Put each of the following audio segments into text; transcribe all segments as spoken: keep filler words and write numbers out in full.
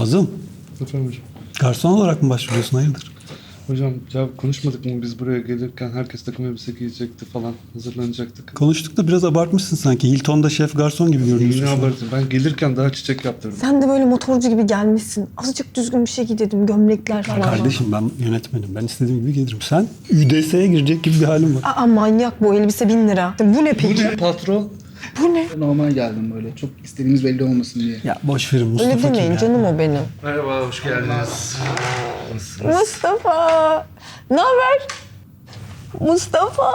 Nazım, Efendim hocam. garson olarak mı başvuruyorsun? Hayırdır? Hocam ya konuşmadık mı biz buraya gelirken herkes takım elbise giyecekti falan hazırlanacaktık. Konuştuk da biraz abartmışsın sanki. Hilton'da şef garson gibi görünüyorsun. Yine şu an. abartın. Ben gelirken daha çiçek yaptırdım. Sen de böyle motorcu gibi gelmişsin. Azıcık düzgün bir şey giy dedim. Gömlekler falan. Kardeşim ben yönetmenim. Ben istediğim gibi gelirim. Sen Ü D S'ye girecek gibi bir halin var. Aa manyak bu elbise bin lira. Bu ne Bu peki? ne patron? Bu ne? Normal geldim böyle. Çok istediğimiz belli olmasın diye. Ya boş verin Mustafa Öyle demeyin kim ya? canım o benim. Merhaba, hoş geldiniz. Mustafa! Ne haber? Mustafa!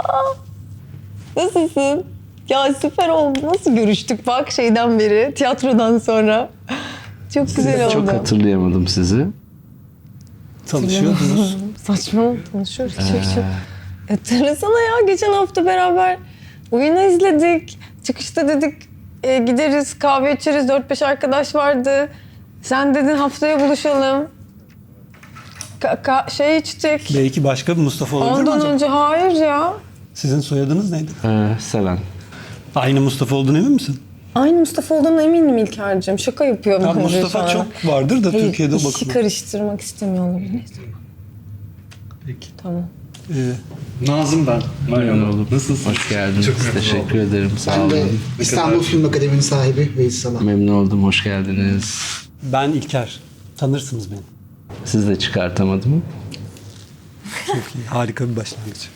Nasılsın? Ya süper oldu. Nasıl görüştük bak şeyden beri, tiyatrodan sonra. Çok güzel oldu. Çok hatırlayamadım sizi. Tanışıyordunuz. Saçma konuşuyoruz. Çok çok. Hatırlasana ya geçen hafta beraber oyunu izledik. Çıkışta dedik e, gideriz kahve içeriz. Dört beş arkadaş vardı. Sen dedin haftaya buluşalım. Ka- ka- şey içtik. Belki başka bir Mustafa olabilir mi Ondan acaba? önce hayır ya. Sizin soyadınız neydi? Ee, Seven. Aynı Mustafa olduğunu emin misin? Aynı Mustafa olduğuna eminim İlker'cim. Şaka yapıyor Ya bence Mustafa sana. çok vardır da Hayır, Türkiye'de işi bakın. karıştırmak istemiyor olabilir. Neyse, Peki. tamam. Ee, Nazım ben. Memnun oldum. Nasılsın? Hoş geldiniz. Çok memnun Teşekkür ederim. Sağ Ben de olun. İstanbul Film Akademi'nin sahibi Veys Salah. Memnun oldum. Hoş geldiniz. ben İlker. Tanırsınız beni. Siz de çıkartamadım. Çok iyi. Harika bir başlangıç.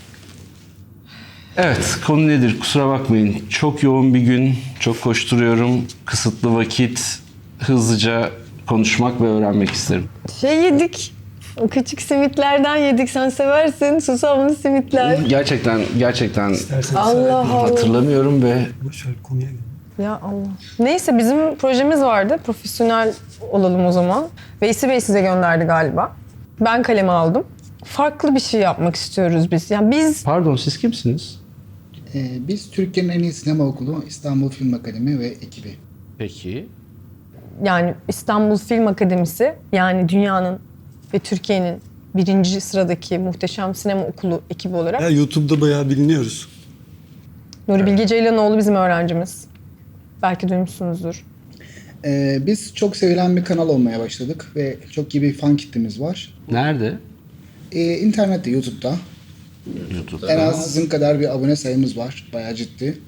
Evet, konu nedir? Kusura bakmayın. Çok yoğun bir gün. Çok koşturuyorum. Kısıtlı vakit. Hızlıca konuşmak ve öğrenmek isterim. Şey yedik. O küçük simitlerden yedik. Sen seversin. Susamlı simitler. Gerçekten, gerçekten İsterseniz Allah Allah. hatırlamıyorum ve Boş ver konuya gel. Ya Allah. Neyse bizim projemiz vardı. Profesyonel olalım o zaman. Veysi Bey size gönderdi galiba. Ben kaleme aldım. Farklı bir şey yapmak istiyoruz biz. Yani biz pardon siz kimsiniz? Ee, biz Türkiye'nin en iyi sinema okulu İstanbul Film Akademi ve ekibi. Peki. yani İstanbul Film Akademisi yani dünyanın ve Türkiye'nin birinci sıradaki muhteşem sinema okulu ekibi olarak Ya YouTube'da bayağı biliniyoruz. Nuri Bilge Ceylanoğlu bizim öğrencimiz. Belki duymuşsunuzdur. Ee, biz çok sevilen bir kanal olmaya başladık ve çok iyi bir fan kitlemiz var. Nerede? Ee, internette, YouTube'da. YouTube'da. En az sizin kadar bir abone sayımız var. Bayağı ciddi.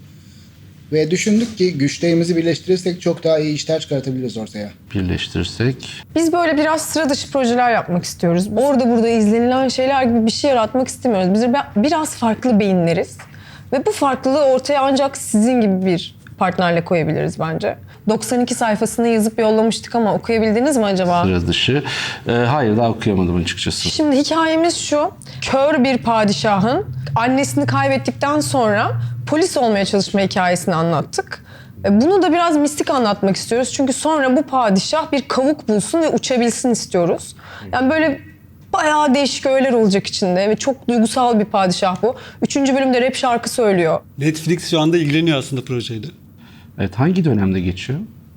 Ve düşündük ki güçlerimizi birleştirirsek çok daha iyi işler çıkartabiliriz ortaya. Birleştirsek. Biz böyle biraz sıra dışı projeler yapmak istiyoruz. Orada burada izlenilen şeyler gibi bir şey yaratmak istemiyoruz. Biz biraz farklı beyinleriz. Ve bu farklılığı ortaya ancak sizin gibi bir partnerle koyabiliriz bence. doksan iki sayfasını yazıp yollamıştık ama okuyabildiniz mi acaba? Sıra dışı. Ee, hayır daha okuyamadım açıkçası. Şimdi hikayemiz şu. Kör bir padişahın annesini kaybettikten sonra polis olmaya çalışma hikayesini anlattık. E, Bunu da biraz mistik anlatmak istiyoruz. Çünkü sonra bu padişah bir kavuk bulsun ve uçabilsin istiyoruz. Yani böyle bayağı değişik öğeler olacak içinde ve çok duygusal bir padişah bu. Üçüncü bölümde rap şarkı söylüyor. Netflix şu anda ilgileniyor aslında projeyle. Evet hangi dönemde geçiyor?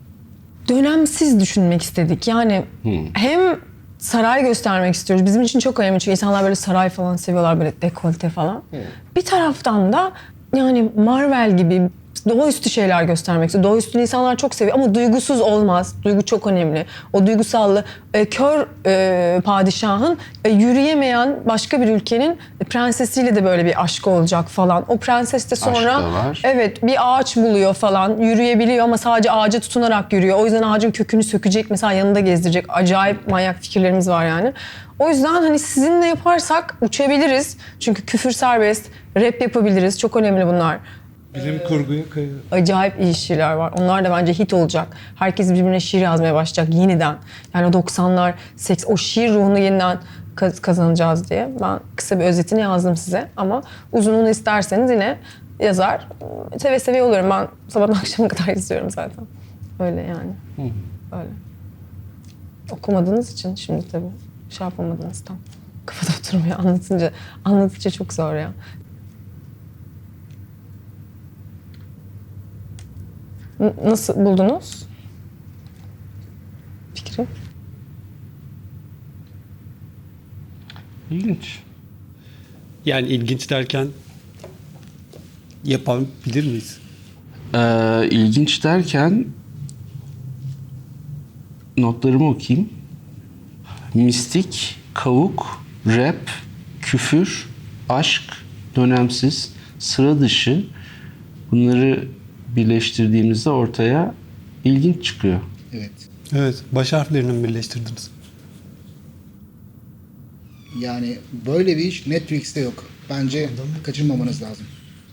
Dönemsiz düşünmek istedik. Yani hem saray göstermek istiyoruz. Bizim için çok önemli çünkü insanlar böyle saray falan seviyorlar, böyle dekolte falan. Bir taraftan da yani Marvel gibi doğaüstü şeyler göstermek istiyoruz. Doğaüstü insanlar çok seviyor ama duygusuz olmaz. Duygu çok önemli. O duygusallığı e, kör e, padişahın e, yürüyemeyen başka bir ülkenin prensesiyle de böyle bir aşkı olacak falan. O prenses de sonra Aşk da var. evet bir ağaç buluyor falan. Yürüyebiliyor ama sadece ağaca tutunarak yürüyor. O yüzden ağacın kökünü sökecek, mesela yanında gezdirecek. Acayip manyak fikirlerimiz var yani. O yüzden hani sizinle yaparsak uçabiliriz. Çünkü küfür serbest, rap yapabiliriz. Çok önemli bunlar. Bilim kurguya kayıyor. Acayip iyi şiirler var. Onlar da bence hit olacak. Herkes birbirine şiir yazmaya başlayacak yeniden. Yani o doksanlar, seks, o şiir ruhunu yeniden kaz- kazanacağız diye. Ben kısa bir özetini yazdım size ama uzununu isterseniz yine yazar. Seve seve oluyorum. Ben sabahtan akşama kadar izliyorum zaten. Öyle yani. Öyle. Okumadığınız için şimdi tabii şey yapamadınız tam. Kafada oturmuyor anlatınca. Anlatınca çok zor ya. N- Nasıl buldunuz fikri? İlginç. Yani ilginç derken yapabilir miyiz? Ee, ilginç derken notlarımı okuyayım. mistik, kavuk, rap, küfür, aşk, dönemsiz, sıra dışı, bunları birleştirdiğimizde ortaya ilginç çıkıyor. Evet. Evet, baş harflerini mi birleştirdiniz? Yani böyle bir iş Netflix'te yok. Bence kaçırmamanız lazım.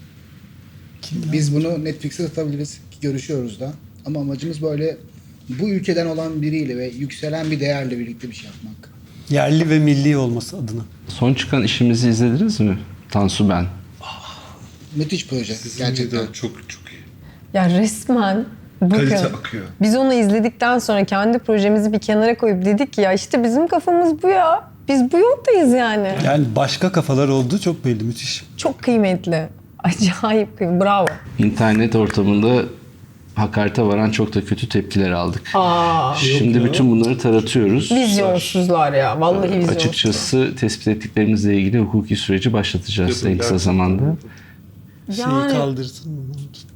Biz bunu Netflix'e satabiliriz. Görüşüyoruz da. Ama amacımız böyle bu ülkeden olan biriyle ve yükselen bir değerle birlikte bir şey yapmak. Yerli ve milli olması adına. Son çıkan işimizi izlediniz mi? Tansu Ben. Müthiş proje gerçekten. Çok çok iyi. Ya resmen Kalite bakın akıyor. biz onu izledikten sonra kendi projemizi bir kenara koyup dedik ki ya işte bizim kafamız bu ya. Biz bu yoldayız yani. Yani başka kafalar olduğu çok belli, müthiş. Çok kıymetli. Acayip kıymetli. Bravo. İnternet ortamında hakarete varan çok da kötü tepkiler aldık. Aa, Şimdi bütün bunları taratıyoruz. vizyonsuzlar ya. Vallahi vizyonsuzlar. Açıkçası tespit ettiklerimizle ilgili hukuki süreci başlatacağız en kısa zamanda. Şeyi Yani- kaldırsın mı?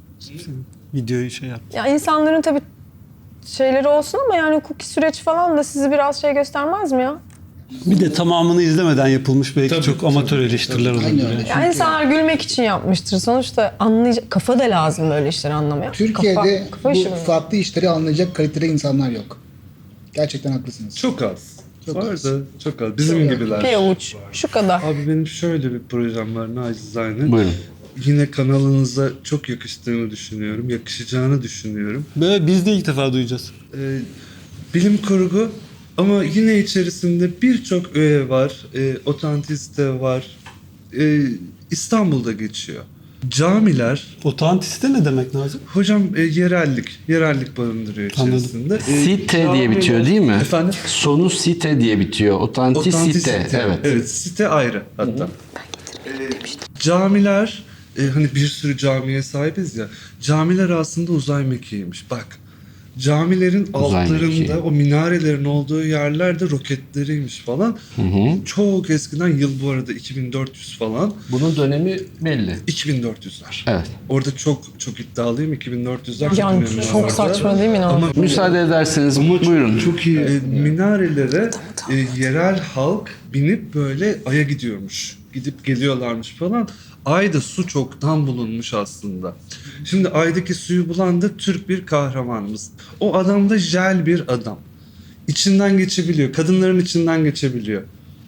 Videoyu şey yap. Ya insanların tabii şeyleri olsun ama yani hukuki süreç falan da sizi biraz şey göstermez mi ya? Bir de tamamını izlemeden yapılmış belki Tabii, çok tabii, amatör tabii. eleştiriler Aynen olabilir. öyle. yani. Ya insanlar gülmek için yapmıştır. Sonuçta anlayacak kafa da lazım böyle işleri anlamaya. Türkiye'de kafa, kafa işi bu mi? farklı işleri anlayacak kalitede insanlar yok. Gerçekten haklısınız. Çok az. Çok Var az. da çok az. Bizim Çok az. gibiler. Bir avuç. Şu kadar. Abi benim şöyle bir projem var nacizane. Buyurun. Yine kanalınıza çok yakıştığını düşünüyorum. Yakışacağını düşünüyorum. Böyle biz de ilk defa duyacağız. Ee, bilim kurgu ama yine içerisinde birçok öğe var. E, otantisite var. E, İstanbul'da geçiyor. Camiler, Otantiste ne demek Nazım? hocam e, yerellik, yerellik barındırıyor Anladım. içerisinde. E, Site diye camiler- bitiyor değil mi? Efendim? Sonu site diye bitiyor. Otantisite. Otantisite. Evet. Evet, site ayrı hatta. Ee, camiler, e, hani bir sürü camiye sahibiz ya. Camiler aslında uzay mekiğiymiş. Bak. Camilerin Uzay altlarında mekiği. o minarelerin olduğu yerlerde roketleriymiş falan. Çok eskiden, yıl bu arada iki bin dört yüz falan. Bunun dönemi belli. iki bin dört yüzler. Evet. Orada çok çok iddialıyım. iki bin dört yüzler çok Yani önemli. çok orada. saçma değil mi? Ama Ama Müsaade ederseniz buyurun. çok iyi. E, minarelere e, yerel halk binip böyle Ay'a gidiyormuş. Gidip geliyorlarmış falan. Ay'da su çoktan bulunmuş aslında. Şimdi Ay'daki suyu bulan da Türk bir kahramanımız. O adam da jel bir adam. İçinden geçebiliyor. Kadınların içinden geçebiliyor.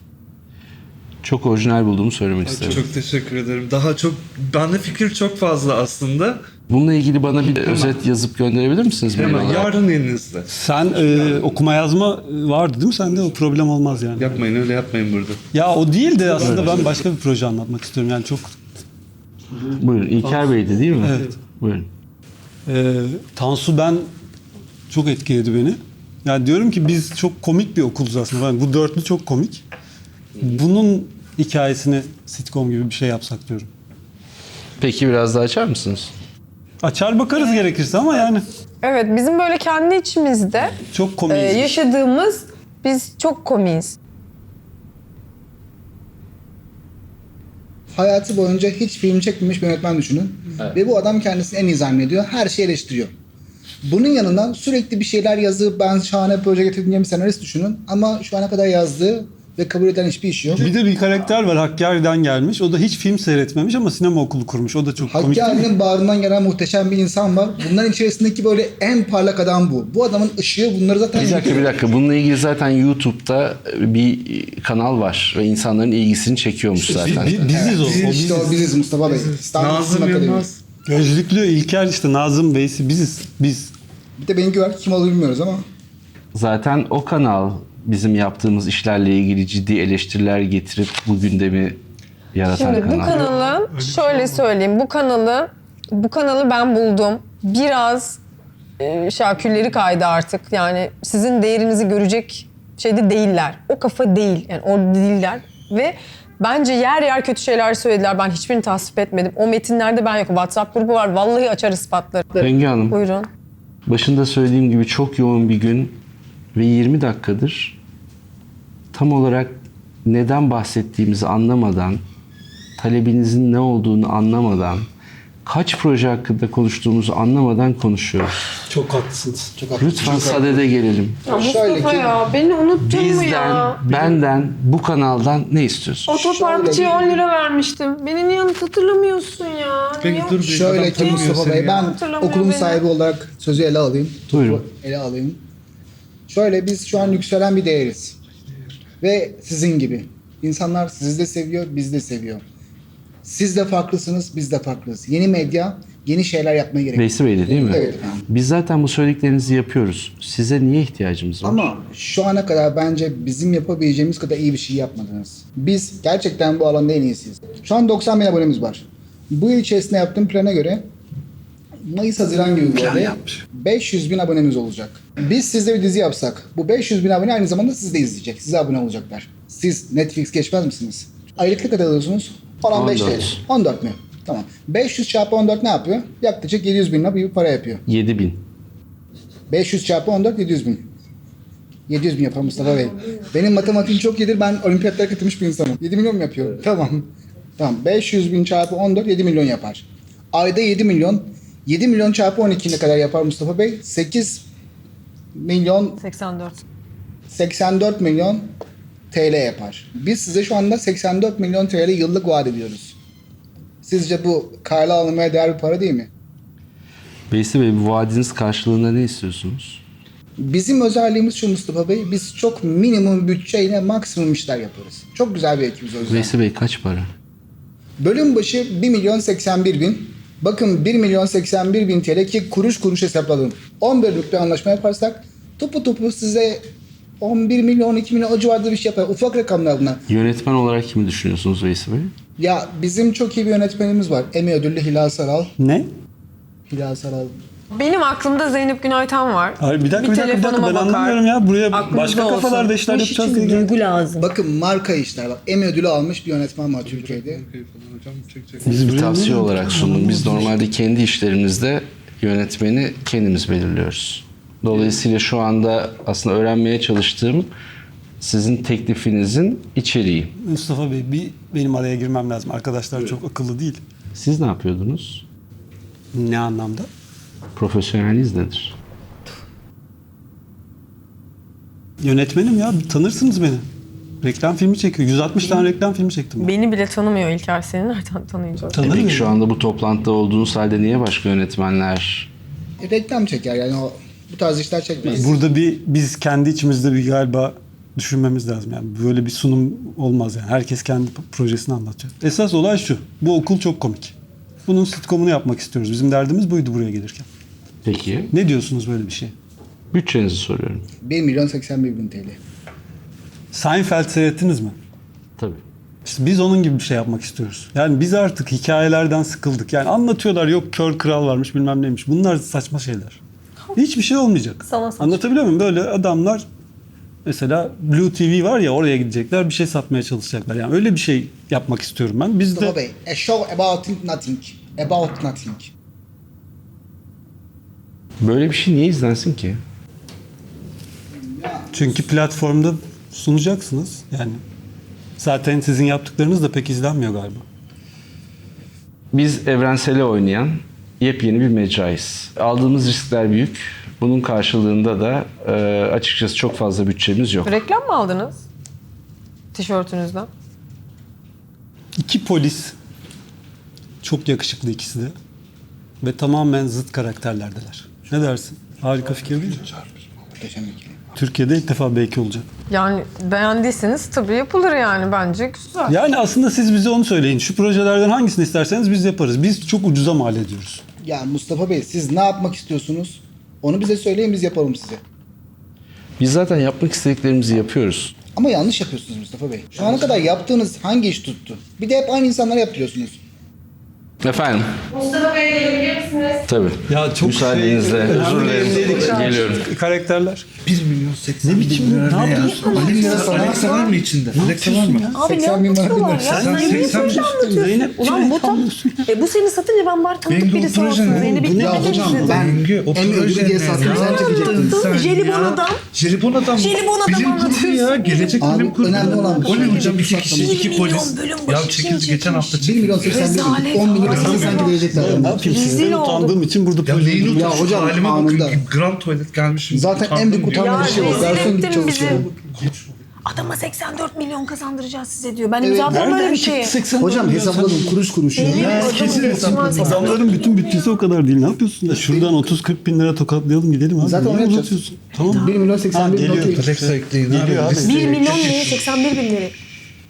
Çok orijinal bulduğumu söylemek Ay, isterim. çok teşekkür ederim. Daha çok, bende fikir çok fazla aslında. Bununla ilgili bana bir özet yazıp gönderebilir misiniz? mail Hemen olarak? yarın elinizde. Sen e, okuma yazma vardı değil mi sende? O problem olmaz yani. Yapmayın, öyle yapmayın burada. Ya o değil de aslında ben başka bir proje anlatmak istiyorum. Yani çok Buyurun. İlker Bey'di değil mi? Evet. Buyurun. e, Tansu Ben çok etkiledi beni. Yani diyorum ki biz çok komik bir okuluz aslında. Yani bu dörtlü çok komik. Bunun hikayesini sitcom gibi bir şey yapsak diyorum. Peki biraz daha açar mısınız? Açar bakarız gerekirse ama yani evet bizim böyle kendi içimizde çok e, komik. yaşadığımız biz çok komiyiz. Hayatı boyunca hiç film çekmemiş bir yönetmen düşünün. Ve bu adam kendisini en iyi zannediyor. Her şeyi eleştiriyor. Bunun yanına sürekli bir şeyler yazıp ben şahane proje getirdim diye bir senarist düşünün. Ama şu ana kadar yazdığı ve kabul eden hiçbir iş yok. Bir de bir karakter var Hakkari'den gelmiş. O da hiç film seyretmemiş ama sinema okulu kurmuş. O da çok komik değil mi? Hakkari'nin bağrından gelen muhteşem bir insan var. Bunların içerisindeki böyle en parlak adam bu. Bu adamın ışığı bunları zaten... Bir dakika bir dakika. Bununla ilgili zaten YouTube'da bir kanal var ve insanların ilgisini çekiyormuş zaten. Bi- bi- biziz o. o İşte biziz. o biziz Mustafa Bey. İstanbul Film Nazım Akademi. Yılmaz. Gözlüklü İlker işte Nazım Bey'si biziz. Biz. Bir de benimki var. Kim olduğunu bilmiyoruz ama. Zaten o kanal bizim yaptığımız işlerle ilgili ciddi eleştiriler getirip bu gündemi yaratan Şimdi bu kanal. kanalın şöyle söyleyeyim bu kanalı bu kanalı ben buldum. Biraz e, şakülleri kaydı artık. Yani sizin değerinizi görecek şeyde değiller. O kafa değil. Yani orada değiller ve bence yer yer kötü şeyler söylediler. Ben hiçbirini tasvip etmedim. O metinlerde ben yokum. WhatsApp grubu var. Vallahi açar ispatları. Bengi Hanım, Buyurun. başında söylediğim gibi çok yoğun bir gün ve yirmi dakikadır tam olarak neden bahsettiğimizi anlamadan, talebinizin ne olduğunu anlamadan, kaç proje hakkında konuştuğumuzu anlamadan konuşuyoruz. Çok haklısınız. Çok haklısın. Lütfen sadede gelelim. Ya Şöyle Mustafa ki- ya beni unuttun mu Bizden, ya? benden, bu kanaldan ne istiyorsun? Otoparkçıya on lira vermiştim. Beni niye hatırlamıyorsun ya? Peki Niye- dur bir Şöyle adam ki tanımıyor Mustafa seni Bey, ya. ben Hatırlamıyor okulun beni. sahibi olarak sözü ele alayım. Buyurun. Ele alayım. Şöyle, biz şu an yükselen bir değeriz. Ve sizin gibi. İnsanlar sizi de seviyor, bizi de seviyor. Siz de farklısınız, biz de farklıyız. Yeni medya, yeni şeyler yapmaya gerek. Veysi Bey'de değil mi? Evet efendim. Biz zaten bu söylediklerinizi yapıyoruz. Size niye ihtiyacımız var? Ama şu ana kadar bence bizim yapabileceğimiz kadar iyi bir şey yapmadınız. Biz gerçekten bu alanda en iyisiyiz. Şu an doksan bin abonemiz var. Bu yıl içerisinde yaptığım plana göre Mayıs-Haziran gibi böyle beş yüz bin abonemiz olacak. Biz sizde bir dizi yapsak, bu beş yüz bin abone aynı zamanda sizi de izleyecek. Size abone olacaklar. Siz Netflix geçmez misiniz? Aylık ne kadar alıyorsunuz? on beş on dört. T L. on dört mü? Tamam. beş yüz çarpı on dört ne yapıyor? Yaklaşık yedi yüz bin lira bir para yapıyor. yedi bin. beş yüz çarpı on dört yedi yüz bin. yedi yüz bin yapar Mustafa Bey. Benim matematiğim çok iyidir. Ben olimpiyatlara katılmış bir insanım. yedi milyon mu yapıyor? Tamam. Tamam. beş yüz bin çarpı on dört yedi milyon yapar. Ayda yedi milyon. yedi milyon çarpı on iki ne kadar yapar Mustafa Bey? sekiz milyon seksen dört. seksen dört milyon T L yapar. Biz size şu anda seksen dört milyon T L yıllık vaat ediyoruz. Sizce bu kayla alınmaya değer bir para değil mi? Veysi Bey, bu vaadiniz karşılığında ne istiyorsunuz? Bizim özelliğimiz şu Mustafa Bey, biz çok minimum bütçeyle maksimum işler yaparız. Çok güzel bir ekibiz o yüzden. Veysi Bey kaç para? Bölüm başı bir milyon seksen bir bin. Bakın bir milyon seksen bir bin T L ki kuruş kuruş hesapladım. on bölümlük bir anlaşma yaparsak topu topu size on bir milyon on iki milyon o civarda bir şey yapar. Ufak rakamlar bunlar. Yönetmen olarak kimi düşünüyorsunuz Veysi Bey? Ya bizim çok iyi bir yönetmenimiz var. Emmy ödüllü Hilal Saral. Ne? Hilal Saral. Benim aklımda Zeynep Günaytan var. Hayır bir dakika bir, dakika bir dakika telefonuma ben bakar. anlamıyorum ya. Buraya Aklınızda başka olsun. kafalarda işler Bu iş yapacağız için diye. duygu lazım. Bakın marka işler bak. Emmy ödülü almış bir yönetmen var Türkiye'de. Hocam çekecek. Biz bir buraya tavsiye niye- olarak sundum. Biz normalde kendi işlerimizde yönetmeni kendimiz belirliyoruz. Dolayısıyla şu anda aslında öğrenmeye çalıştığım sizin teklifinizin içeriği. Mustafa Bey bir benim araya girmem lazım. Arkadaşlar çok akıllı değil. Siz ne yapıyordunuz? Ne anlamda? Profesyoneliniz nedir? Yönetmenim ya tanırsınız beni. Reklam filmi çekiyor. yüz altmış tane reklam filmi çektim ben. Beni bile tanımıyor İlker, seni nereden tanıyacak? Tanır Peki mıyım? şu anda bu toplantıda olduğunuz halde niye başka yönetmenler? E, reklam çeker yani o bu tarz işler çekmez. Burada bir biz kendi içimizde bir galiba düşünmemiz lazım. Yani böyle bir sunum olmaz yani. Herkes kendi projesini anlatacak. Esas olay şu. Bu okul çok komik. Bunun sitcomunu yapmak istiyoruz. Bizim derdimiz buydu buraya gelirken. Peki. Ne diyorsunuz böyle bir şey? Bütçenizi soruyorum. bir milyon seksen bir bin T L. Seinfeld seyrettiniz mi? Tabii. İşte biz onun gibi bir şey yapmak istiyoruz. Yani biz artık hikayelerden sıkıldık. Yani anlatıyorlar yok kör kral varmış bilmem neymiş. Bunlar saçma şeyler. Hiçbir şey olmayacak. Sana saçma. Anlatabiliyor muyum? Böyle adamlar mesela Blue T V var ya oraya gidecekler bir şey satmaya çalışacaklar. Yani öyle bir şey yapmak istiyorum ben. Biz Mustafa de Bey, a show about nothing. About nothing. Böyle bir şey niye izlensin ki? çünkü platformda sunacaksınız. Yani zaten sizin yaptıklarınız da pek izlenmiyor galiba. Biz evrensele oynayan yepyeni bir mecrayız. Aldığımız riskler büyük. Bunun karşılığında da e, açıkçası çok fazla bütçemiz yok. Reklam mı aldınız? Tişörtünüzden. İki polis çok yakışıklı ikisi de ve tamamen zıt karakterlerdeler. Ne dersin? Harika fikir değil mi? Muhteşem ikili. Türkiye'de ilk defa belki olacak. Yani beğendiyseniz tabii yapılır yani bence güzel. Yani aslında siz bize onu söyleyin. Şu projelerden hangisini isterseniz biz yaparız. Biz çok ucuza mal ediyoruz. Ya Mustafa Bey, siz ne yapmak istiyorsunuz? Onu bize söyleyin, biz yapalım size. Biz zaten yapmak istediklerimizi yapıyoruz. Ama yanlış yapıyorsunuz Mustafa Bey. Şu ana kadar yaptığınız hangi iş tuttu? Bir de hep aynı insanlara yaptırıyorsunuz. Efendim? Mustafa Bey gelebilir misiniz? Tabii. Ya çok Müsaadenizle şey- özür dilerim. Geliyorum. Karakterler. bir milyon seksen bin biçim- lira ne ne ya? yapıyorsun? Alexa, Alexa var mı içinde? Alexa var mı? Abi ne seksen bin lira anlatıyorlar dinler. ya? Sen Sen seksen niye anlatıyorsun? Zeynep, Ulan bu tam... anlıyorsun E bu seni satınca ben bari tanıdık Bengi o birisi proje olsun. ne? Zeynep'i Bu ne? Ya dinlemek hocam, istedim. ben Bengi o en proje ödül diye ne? sattım. Ne Sen yaptın çekecektin. sen Jelibon ya? adam. Jelibon adam. Jelibon adam Bilim kurgu anlatıyorsun. ya. Gelecek Abi, bilim kurgu. önemli olan bu. O ne hocam? İki Bir kişi, milyon iki polis. bölüm Ya başı çekildi için geçen hafta bir çekildi. milyon seksen bir bin. Rezalet on milyon desene sanki verecekler. Ben ne yapayım sizden Rezil olduk. utandığım için burada Ya proje neyin müdürü- Ya utanışı? hocam, Halime anında. bakın. Grand tuvalet gelmişim. Zaten en büyük utandım diyor. utanma bir şey o. rezil Garson ettin gibi çalışıyor. bizi. Adama seksen dört milyon kazandıracağız size diyor. Ben Evet. imzaladım böyle Nereden bir şeyi. çıktı seksen Hocam milyon? hesapladım kuruş kuruş. ya. Yemin Ya ediyorum, kesin geçmez hesap. ya. Adamların bütün bütçesi o kadar değil. Ne yapıyorsun? Ya şuradan otuz kırk bin lira tokatlayalım gidelim abi. Zaten Niye onu yapacağız. uzatıyorsun? Tamam. bir milyon seksen bir bin geliyor. okey. Alexa ekleyin Geliyor abi. Listeye bir milyon ekleyin. neye seksen bir bin lira.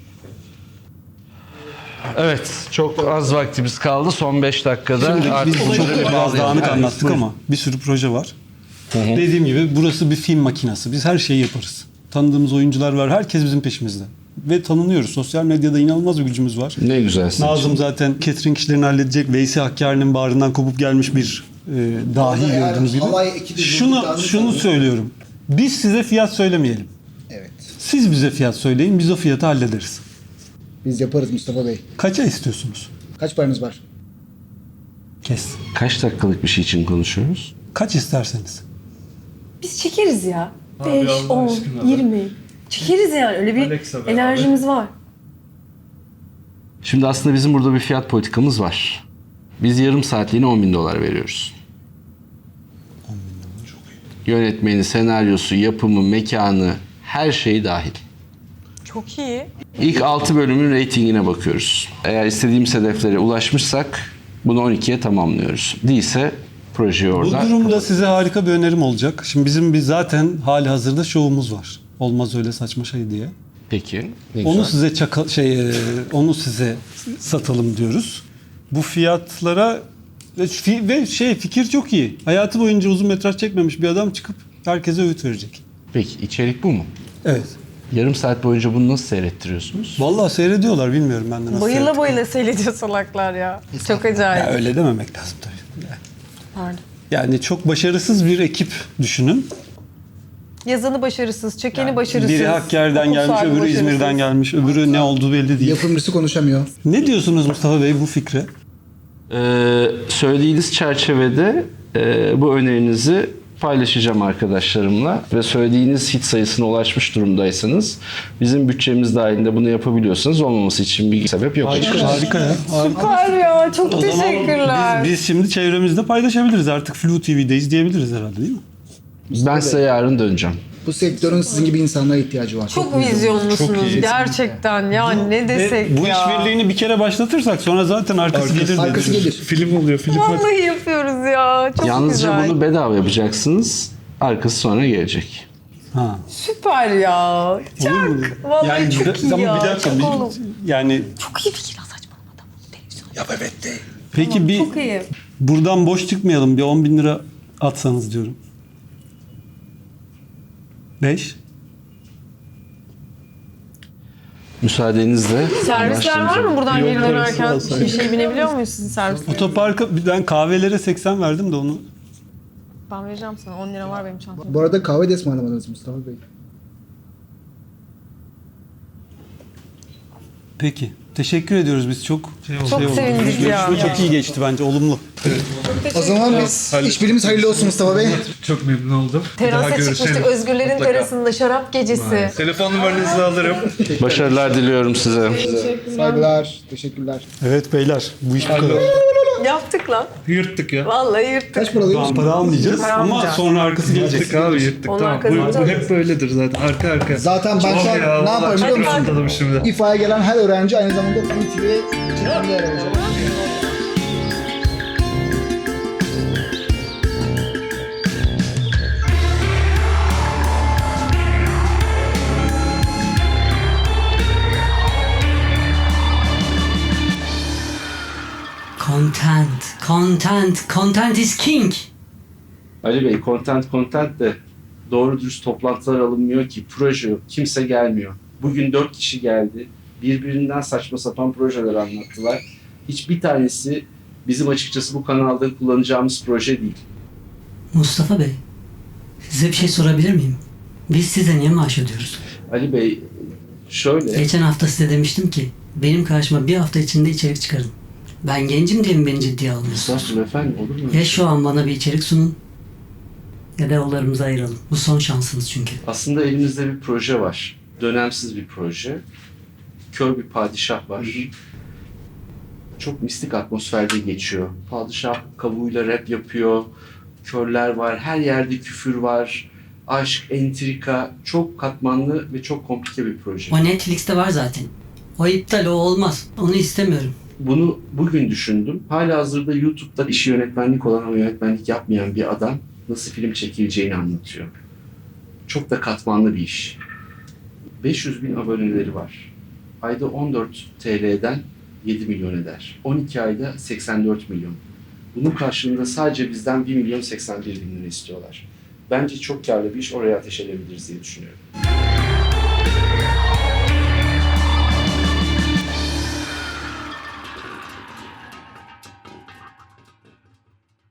Evet, çok az vaktimiz kaldı. Son beş dakikada Şimdi artık biz bunları çok bir biraz bağlayalım. dağınık Evet, anlattık buyurun. ama bir sürü proje var. Dediğim gibi burası bir film makinası. Biz her şeyi yaparız. Tanıdığımız oyuncular var. Herkes bizim peşimizde. Ve tanınıyoruz. Sosyal medyada inanılmaz bir gücümüz var. Ne güzel. sizin için. Nazım zaten catering işlerini halledecek. Veysi Hakkari'nin bağrından kopup gelmiş bir e, dahi Orada eğer gördüğünüz gibi. halay ekibi Şunu bulduklarını şunu sanıyorum. söylüyorum. Biz size fiyat söylemeyelim. Evet. Siz bize fiyat söyleyin. Biz o fiyatı hallederiz. Biz yaparız Mustafa Bey. Kaça istiyorsunuz? Kaç paranız var? Kes. Kaç dakikalık bir şey için konuşuyoruz? Kaç isterseniz. Biz çekeriz ya. Abi beş, Allah on, aşkına be. yirmi. Çekeriz yani. Öyle bir Alexa be enerjimiz var. Şimdi aslında bizim burada bir fiyat politikamız var. Biz yarım saatliğine on bin dolar veriyoruz. Yönetmeni, senaryosu, yapımı, mekanı, her şeyi dahil. Çok iyi. İlk altı bölümün reytingine bakıyoruz. Eğer istediğimiz hedeflere ulaşmışsak bunu on ikiye tamamlıyoruz. Değilse projeyi Bu orada... durumda size harika bir önerim olacak. Şimdi bizim bir zaten hali hazırda şovumuz var. Olmaz öyle saçma şey diye. Peki. Ne Onu güzel. size çaka, şey e, onu size satalım diyoruz. Bu fiyatlara ve, fi- ve şey fikir çok iyi. Hayatı boyunca uzun metraj çekmemiş bir adam çıkıp herkese öğüt verecek. Peki içerik bu mu? Evet. Yarım saat boyunca bunu nasıl seyrettiriyorsunuz? Vallahi seyrediyorlar bilmiyorum ben de nasıl. Bayıla seyrettiklerini. bayıla seyrediyor salaklar ya. Çok acayip. Ya öyle dememek lazım tabii. Yani- Pardon. Yani çok başarısız bir ekip düşünün. Yazanı başarısız, çekeni başarısız. Biri Hakkari'den okul gelmiş, sahibi öbürü başarısız. İzmir'den gelmiş, öbürü ne olduğu belli değil. Yapımcısı konuşamıyor. Ne diyorsunuz Mustafa Bey bu fikre? Ee, söylediğiniz çerçevede e, bu önerinizi paylaşacağım arkadaşlarımla ve söylediğiniz hit sayısına ulaşmış durumdaysanız bizim bütçemiz dahilinde bunu yapabiliyorsanız olmaması için bir sebep yok. Harika, harika ya. Harika. Süper ya. Çok O zaman teşekkürler. Biz, biz şimdi çevremizde paylaşabiliriz. Artık Flu T V'de izleyebiliriz herhalde değil mi? Ben size yarın döneceğim. Bu sektörün sizin gibi insanlara ihtiyacı var. Çok vizyonlusunuz gerçekten. Ya ne desek Ve bu ya. işbirliğini bir kere başlatırsak sonra zaten arkası, gelir diye Arkası düşünüyorum. gelir. Film oluyor film. Vallahi yapıyoruz ya. Çok Yalnızca güzel. bunu bedava yapacaksınız. Arkası sonra gelecek. Ha. Süper ya. Olur Çok. mu? Vallahi Yani çok bir- iyi ama ya. bir dakika. çok bir- oğlum. yani Çok iyi fikir ya saçmalama adam. Televizyon. Ya evet de. peki bir Çok iyi. buradan boş çıkmayalım. Bir on bin lira atsanız diyorum. Beş. Müsaadenizle. Servisler var mı buradan Yol geri parası dönerken? alsaydık. Bir şey binebiliyor muyuz sizin servislerinize? Otoparka ben kahvelere seksen verdim de onu. Ben vereceğim sana. on lira var benim çantamda. Bu arada kahve de ısmarlamadınız Mustafa Bey. Peki. Teşekkür ediyoruz biz çok. Şey oldu, Çok şey oldu. sevindik ya. Görüşme çok iyi geçti bence. Olumlu. O zaman biz Halil- işbirliğimiz hayırlı olsun Mustafa Bey. Çok memnun oldum. Bir daha Terasa görüşelim. çıkmıştık Özgürlerin Mutlaka. terasında şarap gecesi. Telefon numaranızı alırım. Başarılar diliyorum size. Saygılar, teşekkürler. Evet beyler. Bu iş bu kadar. Yaptık lan. Yırttık ya. Vallahi yırttık. Kaç para alıyor Tamam, musun? para almayacağız Para ama almayacağız. sonra arkası gelecek. Yırttık abi yırttık. Onlar Tamam. Bu, kazanacağız. bu hep böyledir zaten. Arka arka. Zaten ben şu an Ya, ne yaparım biliyor çok musun? rahatladım şimdi. İFA'ya gelen her öğrenci aynı zamanda Flu T V'ye çekimde yer alacak. Content, content, content is king. Ali Bey, content content de doğru dürüst toplantılar alınmıyor ki. Proje yok. Kimse gelmiyor. Bugün dört kişi geldi. Birbirinden saçma sapan projeler anlattılar. Hiçbir tanesi bizim açıkçası bu kanalda kullanacağımız proje değil. Mustafa Bey, size bir şey sorabilir miyim? Biz size niye maaş ödüyoruz? Ali Bey, şöyle... Geçen hafta size demiştim ki, benim karşıma bir hafta içinde içerik çıkarın. Ben gencim diye mi beni ciddiye almıyorsunuz? Estağfurullah efendim, olur mu? Ya şu an bana bir içerik sunun, ya da yollarımızı ayıralım. Bu son şansınız çünkü. Aslında elimizde bir proje var. Dönemsiz bir proje. Kör bir padişah var. çok mistik atmosferde geçiyor. Padişah kavuğuyla rap yapıyor. Körler var. Her yerde küfür var. Aşk, entrika. Çok katmanlı ve çok komplike bir proje. O Netflix'te var zaten. O iptal, o olmaz. Onu istemiyorum. Bunu bugün düşündüm. Halihazırda YouTube'da işi yönetmenlik olan ama yönetmenlik yapmayan bir adam nasıl film çekileceğini anlatıyor. Çok da katmanlı bir iş. beş yüz bin aboneleri var. Ayda on dört T L'den yedi milyon eder. on iki ayda seksen dört milyon. Bunun karşılığında sadece bizden bir milyon seksen bir bin lira istiyorlar. Bence çok karlı bir iş, oraya ateş edebiliriz diye düşünüyorum.